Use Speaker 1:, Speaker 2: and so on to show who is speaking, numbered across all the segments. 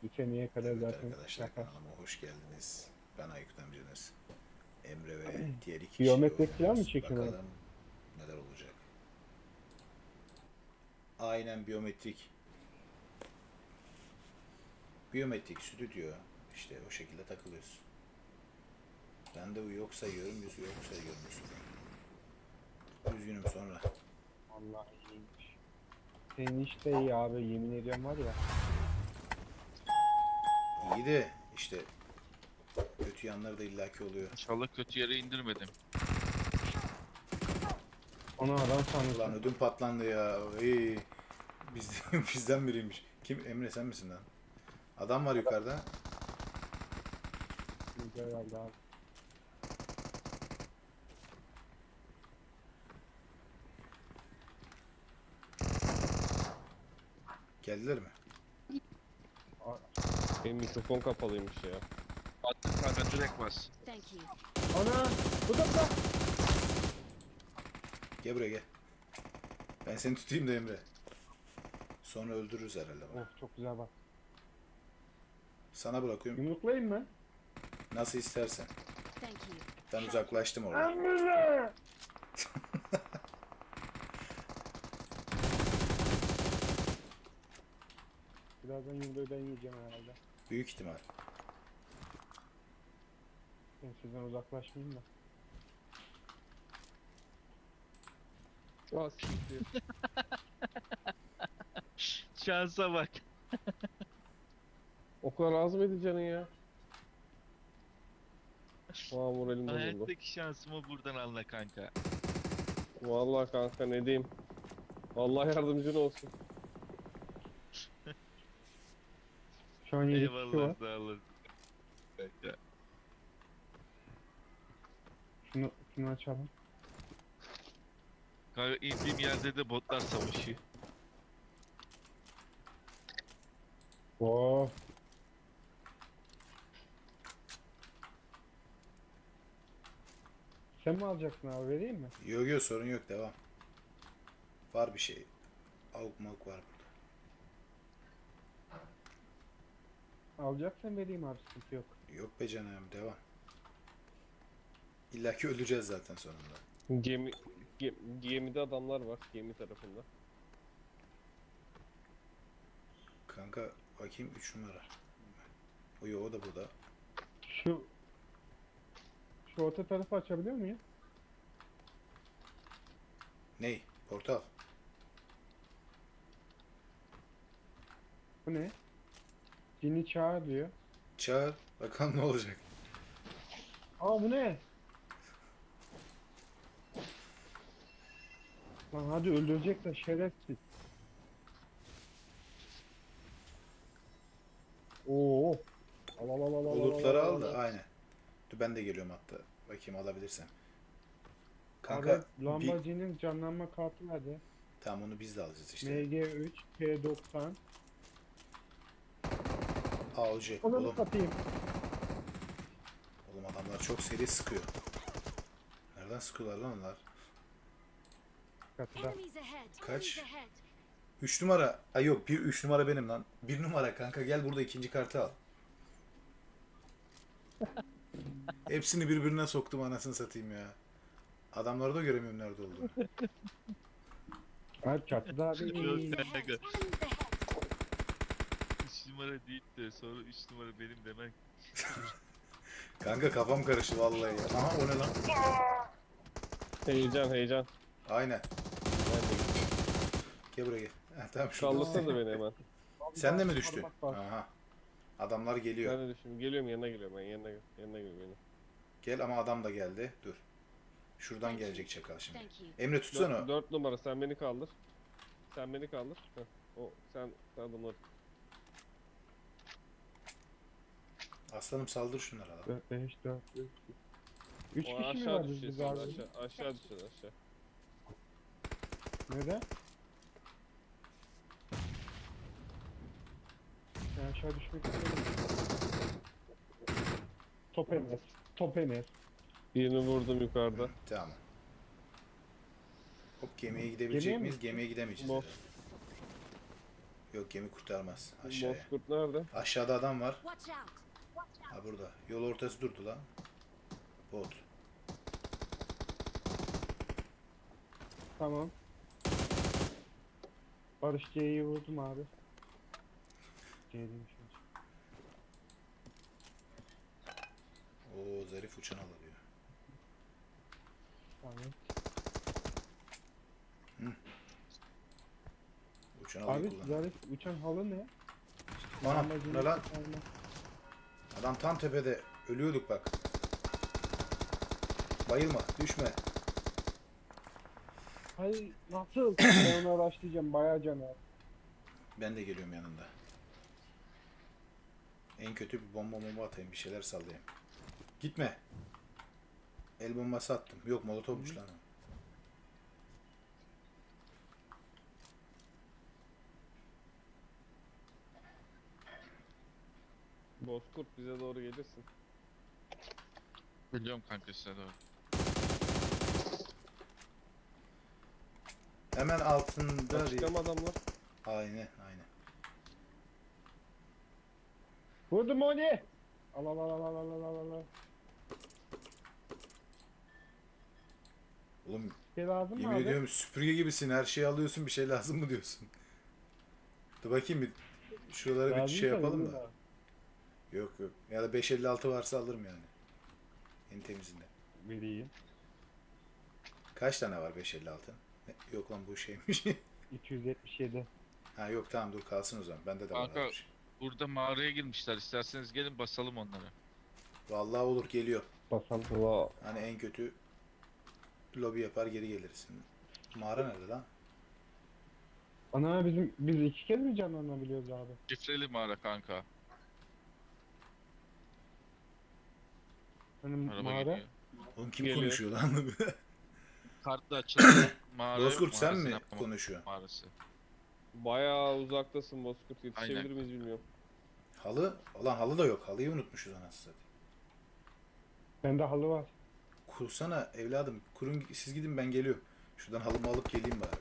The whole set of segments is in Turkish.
Speaker 1: Bir seneye kadar
Speaker 2: Evet
Speaker 1: zaten
Speaker 2: arkadaşlar,
Speaker 1: yapar.
Speaker 2: kanalıma hoş geldiniz. Ben Aykut amcanız. Emre ve diğer iki kişiyle
Speaker 1: Biyometrik falan mı
Speaker 2: oynuyoruz.
Speaker 1: çekiyorsun abi?
Speaker 2: Bakalım neler olacak. Aynen biyometrik. Biyometrik stüdyo. İşte o şekilde takılıyoruz. Ben de yok sayıyorum, yüzü yok sayıyorum üstüne. Üzgünüm sonra.
Speaker 1: Vallahi iyiymiş. Senin iş de iyi abi, yemin ediyorum var ya.
Speaker 2: İyi de işte kötü yanları da illaki oluyor.
Speaker 3: İnşallah kötü yere indirmedim.
Speaker 1: Ona adam
Speaker 2: Ulan
Speaker 1: sanırsın.
Speaker 2: ödüm patlandı ya. Ey, bizden biriymiş. Kim? Emre sen misin lan? Adam var yukarıda.
Speaker 1: Güzel herhalde abi.
Speaker 2: Geldiler mi?
Speaker 4: Benim mikrofon kapalıymış ya.
Speaker 3: Attın kanka direkt bas.
Speaker 5: Thank you.
Speaker 1: Ana! Bu da da!
Speaker 2: Gel buraya gel. Ben seni tutayım da Emre. Sonra öldürürüz herhalde bunu.
Speaker 1: Of çok güzel bak.
Speaker 2: Sana bırakıyorum.
Speaker 1: Yumruklayayım mı?
Speaker 2: Nasıl istersen.
Speaker 5: Thank you.
Speaker 2: Ben uzaklaştım oradan.
Speaker 1: Emre! Birazdan yumruğu ben yiyeceğim herhalde.
Speaker 2: Büyük ihtimal.
Speaker 1: Ben sizden uzaklaşmayayım da.
Speaker 4: Aa siktir.
Speaker 3: Şansa bak.
Speaker 4: O kadar az mıydı canın ya? Aa moralim bozuldu.
Speaker 3: Hayattaki şansımı buradan anla kanka.
Speaker 4: Vallahi kanka ne diyeyim. Allah yardımcın olsun.
Speaker 1: Şu an 7 kişi
Speaker 3: Eyvallah
Speaker 1: var.
Speaker 3: sağ olasın. Kanka.
Speaker 1: Şunu açalım.
Speaker 3: Kanka indiğim yerde de botlar savaşıyor.
Speaker 1: Oo. Sen mi alacaksın abi, vereyim mi?
Speaker 2: Yok yok, sorun yok, devam. Var bir şey. Avuk mavuk var burada.
Speaker 1: Alacaksan vereyim abi, sıkıntı yok.
Speaker 2: Yok be canım, devam. İlla ki öleceğiz zaten sonunda.
Speaker 4: Gemide adamlar var. Gemi tarafında.
Speaker 2: Kanka bakayım 3 numara. O yok, o da burada.
Speaker 1: Şu orta tarafı açabiliyor muyum?
Speaker 2: Ney? Portal.
Speaker 1: Bu ne? Cini çağır diyor.
Speaker 2: Çağır. Bakalım ne olacak.
Speaker 1: Aa bu ne? Lan hadi öldürecek de şerefsiz. Oo. Al al al al al
Speaker 2: Bulutları
Speaker 1: al,
Speaker 2: al da
Speaker 1: al.
Speaker 2: aynen. Dur ben de geliyorum hatta. Bakayım alabilirsem.
Speaker 1: Abi
Speaker 2: Kanka
Speaker 1: Lamborghini'nin canlanma kartı nerede?
Speaker 2: tamam, onu biz de alacağız işte.
Speaker 1: MG3 P90.
Speaker 2: Avcı.
Speaker 1: Onu
Speaker 2: Oğlum,
Speaker 1: satayım.
Speaker 2: oğlum adamlar çok seri sıkıyor. Nereden sıkıyorlar lan onlar?
Speaker 1: Katıda.
Speaker 5: Enemies ahead.
Speaker 2: Kaç?
Speaker 5: Enemies ahead.
Speaker 2: 3 numara. Ay yok, 3 numara benim lan. 1 numara kanka, gel burada ikinci kartı al. Hepsini birbirine soktum, anasını satayım ya. Adamları da göremiyorum nerede olduğunu.
Speaker 1: Abi çatıda abi.
Speaker 3: Yok
Speaker 5: Enemies ahead.
Speaker 3: kanka.
Speaker 5: Enemies ahead.
Speaker 3: 3 numara değil de sonra 3 numara benim demen.
Speaker 2: Kanka kafam karıştı vallahi ya. Aha, o ne lan?
Speaker 4: Heyecan heyecan.
Speaker 2: Aynen. Gel buraya gel. Heh, tamam şurada.
Speaker 4: Kaldırsana da beni hemen.
Speaker 2: Sen de mi düştün?
Speaker 1: Bak, bak.
Speaker 2: Aha. Adamlar geliyor.
Speaker 4: Ben de düşün. Geliyorum yanına geliyorum ben. Yanına geliyorum yanına.
Speaker 2: Gel ama adam da geldi. Dur. Şuradan gelecek çakal şimdi.
Speaker 5: Thank you.
Speaker 2: Emre tutsana.
Speaker 4: 4 numara sen beni kaldır. Sen beni kaldır. Heh, o sen adamları.
Speaker 2: Aslanım saldır şunlara lan.
Speaker 1: 4 5 4 3
Speaker 4: O
Speaker 1: kişi mi
Speaker 4: aşağı
Speaker 1: vardı biz
Speaker 4: düşeceğiz.
Speaker 1: abi?
Speaker 4: Aşağı düşeceğiz aşağı.
Speaker 1: Neden? Ben aşağı düşmek istiyorum. Top ener. Top ener.
Speaker 4: Birini vurdum yukarıda.
Speaker 2: Tamam. Hop, gemiye gidebilecek
Speaker 1: Gemiye mi?
Speaker 2: miyiz? Gemiye gidemeyeceğiz.
Speaker 4: Bu.
Speaker 2: herhalde. Yok gemi kurtarmaz. Aşağıya.
Speaker 4: Bozkurt nerede?
Speaker 2: Aşağıda adam var.
Speaker 5: Watch out!
Speaker 2: Ha burada. Yol ortası durdu lan. Bot.
Speaker 1: Tamam. Barış C'yi vurdum abi. C demiş.
Speaker 2: Oo zarif uçan alıyor.
Speaker 1: Tamam.
Speaker 2: Uçan alıyı
Speaker 1: Abi
Speaker 2: kullan.
Speaker 1: zarif uçan halı ne?
Speaker 2: Anam
Speaker 1: Amacını
Speaker 2: ne lan?
Speaker 1: kurtarmak.
Speaker 2: Adam tam tepede. Ölüyorduk bak. Bayılma. Düşme.
Speaker 1: Hayır nasıl? Ben onu araştıracağım bayağı can abi.
Speaker 2: Ben de geliyorum yanında. En kötü bir bomba atayım. Bir şeyler sallayayım. Gitme. El bombası attım. Yok molotofmuş lan o.
Speaker 4: Bozkurt bize doğru gelirsin.
Speaker 3: Biliyorum kanka size doğru.
Speaker 2: Hemen altında bir...
Speaker 4: Açıkta mı adamlar?
Speaker 2: Aynen aynen.
Speaker 1: Vurdum onu. Al al al al al al al al.
Speaker 2: Oğlum
Speaker 1: Bir şey lazım mı
Speaker 2: yemin
Speaker 1: abi?
Speaker 2: ediyorum süpürge gibisin. Her şeyi alıyorsun. Bir şey lazım mı diyorsun. Dur bakayım bir şuralara bir
Speaker 1: Lazımsa
Speaker 2: şey yapalım
Speaker 1: verir
Speaker 2: da.
Speaker 1: abi.
Speaker 2: Yok yok. Ya da 556 varsa alırım yani. En temizinden.
Speaker 1: Vereyim.
Speaker 2: Kaç tane var 556? Yok lan bu şeymiş.
Speaker 1: 277.
Speaker 2: Ha yok tamam dur kalsın o zaman. Bende de var.
Speaker 3: Kanka-
Speaker 2: öyle bir şey.
Speaker 3: Burada mağaraya girmişler. İsterseniz gelin basalım onları.
Speaker 2: Vallahi olur geliyor.
Speaker 1: Basalım.
Speaker 4: Valla
Speaker 2: Hani en kötü lobi yapar geri geliriz. Mağara nerede lan?
Speaker 1: Ana biz iki kez mi canlanabiliyoruz abi?
Speaker 3: Şifreli mağara kanka.
Speaker 1: Hani
Speaker 3: Araba
Speaker 1: mağara.
Speaker 3: geliyor.
Speaker 2: Oğlum kim
Speaker 4: Geliyor.
Speaker 2: konuşuyor lan?
Speaker 3: Kartla açılan mağara.
Speaker 2: Bozkurt sen
Speaker 3: mağarasını
Speaker 2: mi
Speaker 3: yapma
Speaker 2: konuşuyorsun?
Speaker 3: Mağarası.
Speaker 4: bayağı uzaktasın Bozkurt. Yetişebilir
Speaker 3: Aynen.
Speaker 4: miyiz bilmiyorum.
Speaker 2: Halı? Ulan halı da yok. Halıyı unutmuşuz anasını satayım.
Speaker 1: Bende halı var.
Speaker 2: Kursana evladım. Kurun siz gidin ben geliyorum. Şuradan halımı alıp geleyim bari.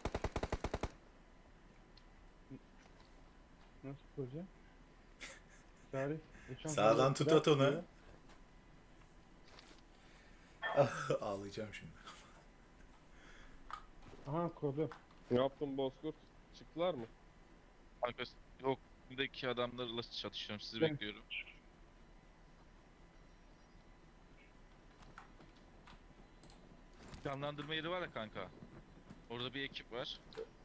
Speaker 1: Nasıl kuracağım? Tarih. uçan
Speaker 2: Sağdan
Speaker 1: halı
Speaker 2: tut
Speaker 1: bırak
Speaker 2: at onu.
Speaker 1: diyor.
Speaker 2: Ağlayacağım şimdi.
Speaker 1: Aha kurdu.
Speaker 4: Ne yaptın Bozkurt? Çıktılar mı?
Speaker 3: Kanka yok. Buradaki adamlarla çatışıyorum. Sizi
Speaker 1: Ben-
Speaker 3: bekliyorum. Canlandırma yeri var ya kanka. Orada bir ekip var.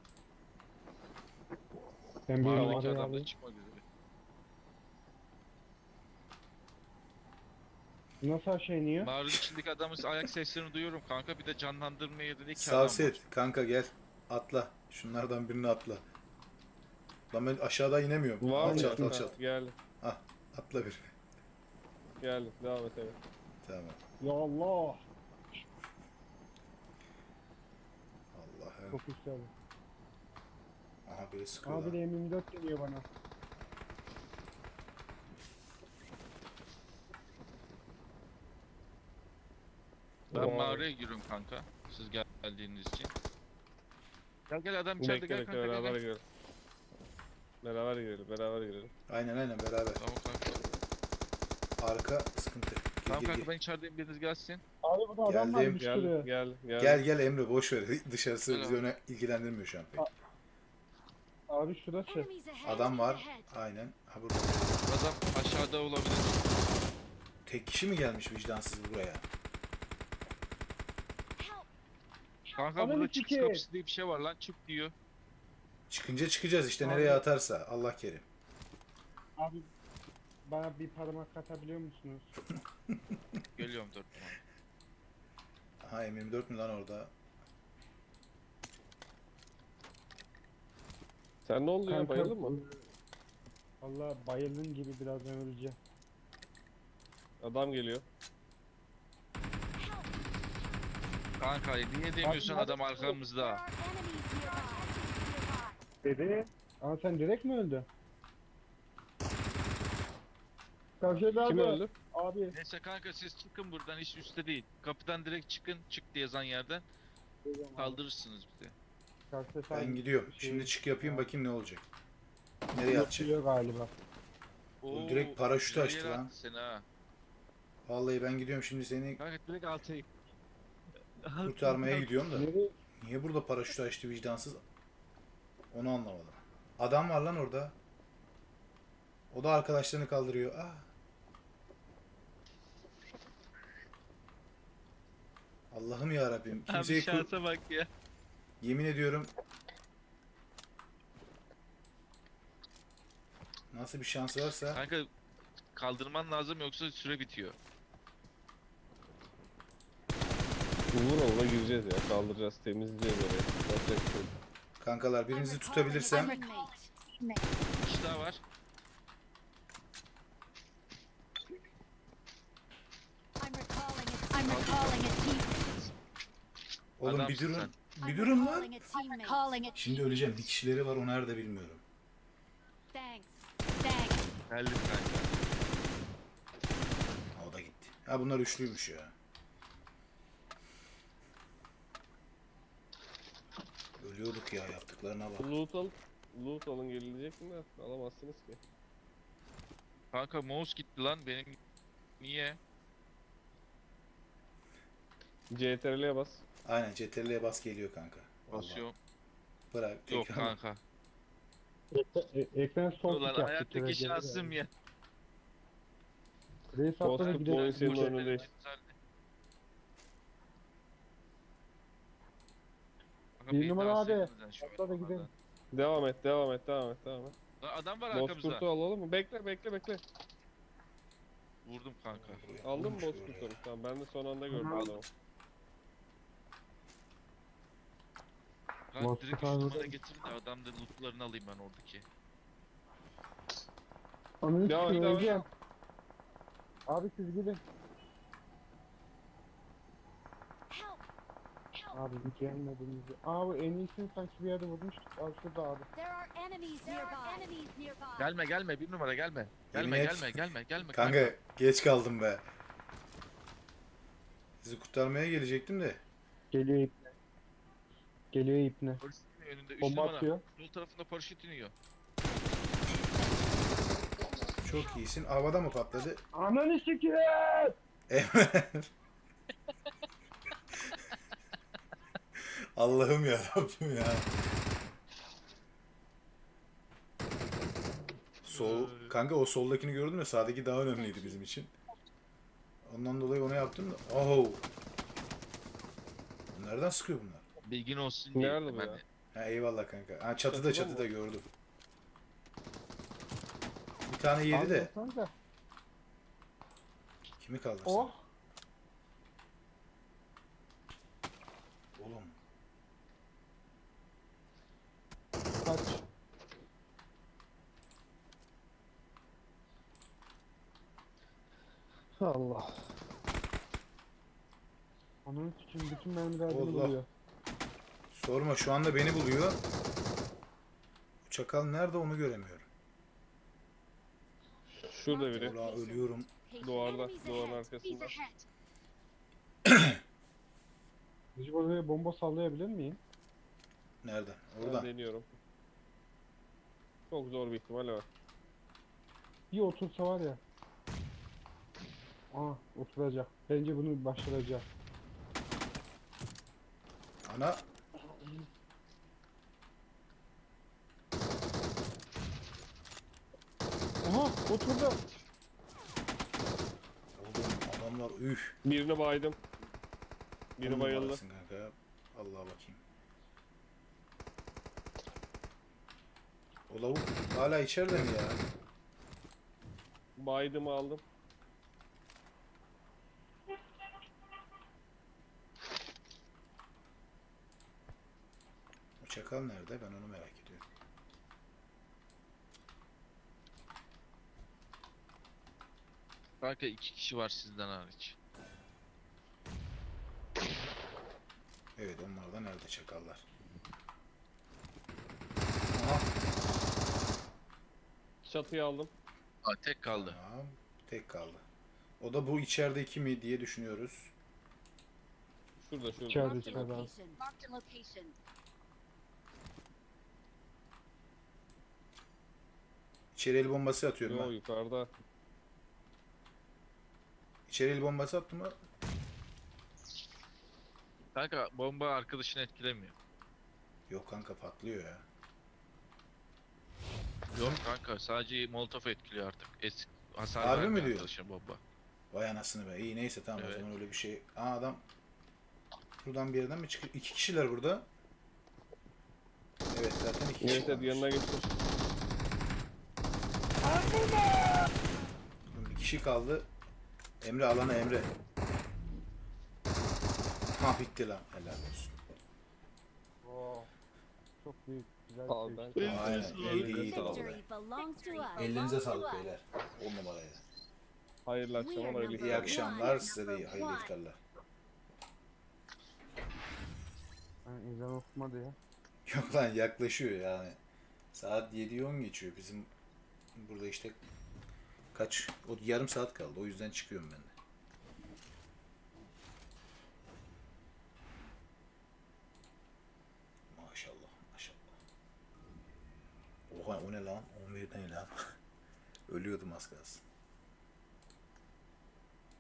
Speaker 1: Ben bir
Speaker 3: Mağaradaki
Speaker 1: numarayı
Speaker 3: adam da
Speaker 1: alayım.
Speaker 3: çıkmak üzere.
Speaker 1: Nasıl aşağı iniyor?
Speaker 3: Mağaranın içindeki adamın ayak seslerini duyuyorum kanka. Bir de canlandırma yerinde iki adam var.
Speaker 2: Savset kanka gel. Atla. Şunlardan birini atla. Lan ben aşağıdan inemiyorum.
Speaker 4: Var mı?
Speaker 2: Alçalt
Speaker 4: Ha,
Speaker 2: alçalt.
Speaker 4: Geldi.
Speaker 2: Ah atla bir.
Speaker 4: Geldi. Devam et evet.
Speaker 2: Tamam.
Speaker 1: Ya Allah.
Speaker 2: Allah'ım.
Speaker 1: Çok güzel.
Speaker 2: Aha biri sıkıyor
Speaker 1: Abi
Speaker 2: lan.
Speaker 1: de M24 geliyor bana.
Speaker 3: Ben
Speaker 4: Tamam.
Speaker 3: mağaraya giriyorum kanka. Siz geldiğiniz için. Gel gel adam içeride
Speaker 4: Bekle
Speaker 3: gel
Speaker 4: bekle
Speaker 3: kanka
Speaker 4: beraber
Speaker 3: gel.
Speaker 4: girelim. Beraber girelim. Beraber girelim.
Speaker 2: Aynen aynen beraber.
Speaker 3: Tamam kanka.
Speaker 2: Arka sıkıntı. Gir,
Speaker 3: Tamam
Speaker 2: gir,
Speaker 3: kanka
Speaker 2: gir.
Speaker 3: ben içerideyim biriniz gelsin.
Speaker 1: Abi burada adam var
Speaker 2: Geldim.
Speaker 1: bir
Speaker 4: Gel
Speaker 1: sürü.
Speaker 4: gel gel.
Speaker 2: Gel gel Emre boş ver. Dışarısı
Speaker 3: Gel
Speaker 2: bizi
Speaker 3: abi.
Speaker 2: öne ilgilendirmiyor şu an pek.
Speaker 1: Abi şurası.
Speaker 5: Enemies ahead!
Speaker 2: Adam var.
Speaker 5: Ahead.
Speaker 2: Aynen. Ha burada.
Speaker 3: Adam aşağıda olabilir.
Speaker 2: Tek kişi mi gelmiş vicdansız buraya?
Speaker 5: Help!
Speaker 3: Kanka
Speaker 1: Adam
Speaker 3: burada
Speaker 1: iki
Speaker 3: çıkış
Speaker 1: kez.
Speaker 3: kapısı diye bir şey var lan çık diyor.
Speaker 2: Çıkınca çıkacağız işte
Speaker 1: Abi.
Speaker 2: nereye atarsa. Allah kerim.
Speaker 1: Abi bana bir parmak atabiliyor musunuz?
Speaker 3: Geliyorum 4 numara.
Speaker 2: Aha M24 mü lan orada?
Speaker 4: Sen ne oldu ya? Bayıldın mı?
Speaker 1: Valla bayıldım gibi birazdan öleceğim.
Speaker 4: Adam geliyor.
Speaker 5: Help!
Speaker 3: Kanka niye demiyorsun adam
Speaker 5: There
Speaker 3: arkamızda?
Speaker 5: are enemies nearby!
Speaker 1: Dedi. Ama sen direkt mi öldün? Karşıda
Speaker 4: Kim
Speaker 1: abi.
Speaker 4: öldü?
Speaker 1: Abi.
Speaker 3: Neyse kanka siz çıkın buradan hiç üstte değil. Kapıdan direkt çıkın çık diye yazan yerden kaldırırsınız bizi.
Speaker 1: Karşıda
Speaker 2: Ben
Speaker 1: sen-
Speaker 2: gidiyorum.
Speaker 1: şey-
Speaker 2: Şimdi çık yapayım bakayım ne olacak. Nereye atacak?
Speaker 1: Atıyor galiba.
Speaker 2: O direkt paraşütü
Speaker 3: güzel
Speaker 2: açtı
Speaker 3: yere
Speaker 2: lan.
Speaker 3: attı seni ha.
Speaker 2: Vallahi ben gidiyorum şimdi seni
Speaker 3: Kanka direkt alta in.
Speaker 2: kurtarmaya gidiyorum da.
Speaker 1: Nereye?
Speaker 2: Niye burada paraşütü açtı vicdansız? Onu anlamadım. Adam var lan orada. O da arkadaşlarını kaldırıyor. Ah. Allah'ım ya Rabbim.
Speaker 3: Abi
Speaker 2: Kimseyi
Speaker 3: şansa bak ya.
Speaker 2: yemin ediyorum. Nasıl bir şans varsa
Speaker 3: Kanka kaldırman lazım yoksa süre bitiyor.
Speaker 4: Uğur ola gireceğiz ya. Kaldıracağız, temizleyeceğiz orayı. Yapacak bir şey yok.
Speaker 2: kankalar birinizi tutabilirsem
Speaker 3: Bir kişi daha var.
Speaker 5: I'm recalling a team.
Speaker 2: oğlum bir
Speaker 3: Adamsın
Speaker 2: durun.
Speaker 3: sen.
Speaker 2: Bir durun lan.
Speaker 5: I'm recalling a
Speaker 2: Şimdi öleceğim. Bir kişileri var. O nerede bilmiyorum.
Speaker 5: Thanks. Thanks.
Speaker 3: Geldim kanka.
Speaker 2: O da gitti. Ha bunlar üçlüymüş ya. Ölüyorduk ya yaptıklarına bak.
Speaker 4: Loot alın gelecek mi de alamazsınız ki.
Speaker 3: Kanka mouse gitti lan benim. Niye?
Speaker 4: CTRL'ye bas.
Speaker 2: Aynen CTRL'ye bas geliyor kanka. Vallahi.
Speaker 3: Basıyorum.
Speaker 2: Bırak.
Speaker 3: Yok
Speaker 2: tekrar-
Speaker 3: kanka.
Speaker 1: Ekran sol
Speaker 3: Ulan
Speaker 1: tık yaptı.
Speaker 3: hayattaki
Speaker 1: Şöyle
Speaker 3: şansım
Speaker 1: geri
Speaker 3: ya.
Speaker 1: geldi. Reis atladı
Speaker 4: Bozkurt
Speaker 1: gidelim.
Speaker 4: oyun senin önünde.
Speaker 1: Bir numara abi. Atla da gidelim.
Speaker 4: Devam et.
Speaker 3: Adam var arkamızda.
Speaker 4: Bozkurt'u alalım mı? Bekle.
Speaker 3: Vurdum kanka.
Speaker 4: Aldın mı
Speaker 2: Vurmuş
Speaker 4: Bozkurt'u?
Speaker 2: oraya.
Speaker 4: Tamam ben de son anda gördüm
Speaker 1: Aldım.
Speaker 4: adamı.
Speaker 3: Kanka
Speaker 1: Bozkurt
Speaker 3: direkt
Speaker 1: abi
Speaker 3: 3
Speaker 1: burada.
Speaker 3: numara getirin de adam da lootlarını alayım ben oradaki.
Speaker 1: Onu
Speaker 4: Devam et, devam et.
Speaker 1: söyleyeceğim. Abi siz gidin.
Speaker 5: Help. Help.
Speaker 1: Abi bir gelmediniz. Abi en iyisini sanki bir yerde vurmuştuk. Abi şurada abi.
Speaker 5: There are enemies nearby.
Speaker 3: Gelme bir numara gelme.
Speaker 2: Yemin
Speaker 3: Gelme
Speaker 2: et.
Speaker 3: gelme.
Speaker 2: Kanka geç kaldım be. Sizi kurtarmaya gelecektim de.
Speaker 1: Geliyor ipne. Geliyor ipne.
Speaker 3: Paraşüt iniyor önünde 3
Speaker 1: Bomba
Speaker 3: numara.
Speaker 1: atıyor.
Speaker 3: Sol tarafında paraşüt iniyor.
Speaker 2: Çok iyisin. Havada mı patladı?
Speaker 1: Ananı sikeyim.
Speaker 2: Evet. Allah'ım ya Rabbim ya. Kanka o soldakini gördün mü? Sağdaki daha önemliydi bizim için. Ondan dolayı onu yaptım da. Oh. Nereden sıkıyor bunlar?
Speaker 3: Bilgin olsun diye.
Speaker 4: Nerede bu
Speaker 3: ben
Speaker 4: ya?
Speaker 3: de.
Speaker 2: Ha eyvallah kanka. Ha
Speaker 4: Çatıda
Speaker 2: çatıda
Speaker 4: mı?
Speaker 2: gördüm. Bir tane yedi
Speaker 1: Abi
Speaker 2: de.
Speaker 1: baksanıza.
Speaker 2: Kimi kaldırsın?
Speaker 1: Oh.
Speaker 2: Oğlum.
Speaker 1: Kaç.
Speaker 4: Allah.
Speaker 1: Ananı sikeyim bütün mermiler
Speaker 2: Allah.
Speaker 1: bunu buluyor.
Speaker 2: Sorma şu anda beni buluyor. Bu çakal nerede onu göremiyorum.
Speaker 4: Şurada biri.
Speaker 2: Ulan ölüyorum.
Speaker 4: Duvarda,
Speaker 5: Enemies
Speaker 4: duvarın
Speaker 5: ahead.
Speaker 4: arkasında.
Speaker 5: Enemies ahead.
Speaker 1: Biz oraya bomba sallayabilir miyim?
Speaker 2: Nereden?
Speaker 4: Ben
Speaker 2: Oradan.
Speaker 4: deniyorum. Çok zor bir ihtimal var.
Speaker 1: Bir otursa var ya. Aa oturacak. Bence bunu başaracak.
Speaker 2: Ana.
Speaker 1: Aha oturdu.
Speaker 2: Oğlum adamlar üf.
Speaker 4: Birini baydım. Biri
Speaker 2: On
Speaker 4: bayıldı.
Speaker 2: numarasın kanka. Allah'a bakayım. O lavuk hala içeride mi ya?
Speaker 4: Baydımı aldım.
Speaker 2: O çakal nerede? Ben onu merak ediyorum.
Speaker 3: Kanka 2 kişi var sizden hariç.
Speaker 2: Evet onlar da nerede çakallar? Aha.
Speaker 4: Çatıyı aldım.
Speaker 3: Aa, tek kaldı.
Speaker 2: Tamam. Tek kaldı. O da bu içerideki mi diye düşünüyoruz.
Speaker 4: Şurada.
Speaker 1: İçeride
Speaker 5: Marked a
Speaker 1: içeride abi.
Speaker 5: location. Marked a location.
Speaker 2: İçeri el bombası atıyorum
Speaker 4: Yo
Speaker 2: ben.
Speaker 4: yukarıda.
Speaker 2: İçeri el bombası attım mı?
Speaker 3: Kanka bomba arkadaşını etkilemiyor.
Speaker 2: Yok kanka patlıyor ya.
Speaker 3: Yok kanka sadece molotof etkiliyor artık. Hasar
Speaker 2: Harbi mi
Speaker 3: vermiyor
Speaker 2: diyor?
Speaker 3: arkadaşına bomba.
Speaker 2: Vay anasını be. İyi neyse tamam o
Speaker 3: Evet.
Speaker 2: zaman öyle bir şey. Aa adam buradan bir yerden mi çıkıyor? 2 kişiler burada. Evet zaten 2 kişi
Speaker 4: Evet evet yanına
Speaker 2: varmış.
Speaker 4: geçtim.
Speaker 2: Bir kişi kaldı. Emre alana Emre. Ha bitti lan. Helal olsun.
Speaker 1: Oo. Çok büyük. Güzel
Speaker 4: Al
Speaker 1: bir
Speaker 4: ben.
Speaker 1: şey.
Speaker 2: Aynen. İyiydi iyiydi
Speaker 5: Victory
Speaker 2: vallahi.
Speaker 5: belongs to us.
Speaker 2: Ellerinize sağlık beyler. 10 numaraydı.
Speaker 4: Hayırlı akşamlar hayırlı
Speaker 2: İyi
Speaker 4: iftarlar.
Speaker 2: akşamlar size de iyi. Hayırlı iftarlar.
Speaker 1: Ben ezan okumadı ya.
Speaker 2: Yok lan yaklaşıyor yani. Saat 7'yi 10 geçiyor. Bizim burada işte kaç? O yarım saat kaldı. O yüzden çıkıyorum ben de. Maşallah maşallah. Oha o ne lan? 11 ne lan? Ölüyordum az kalsın.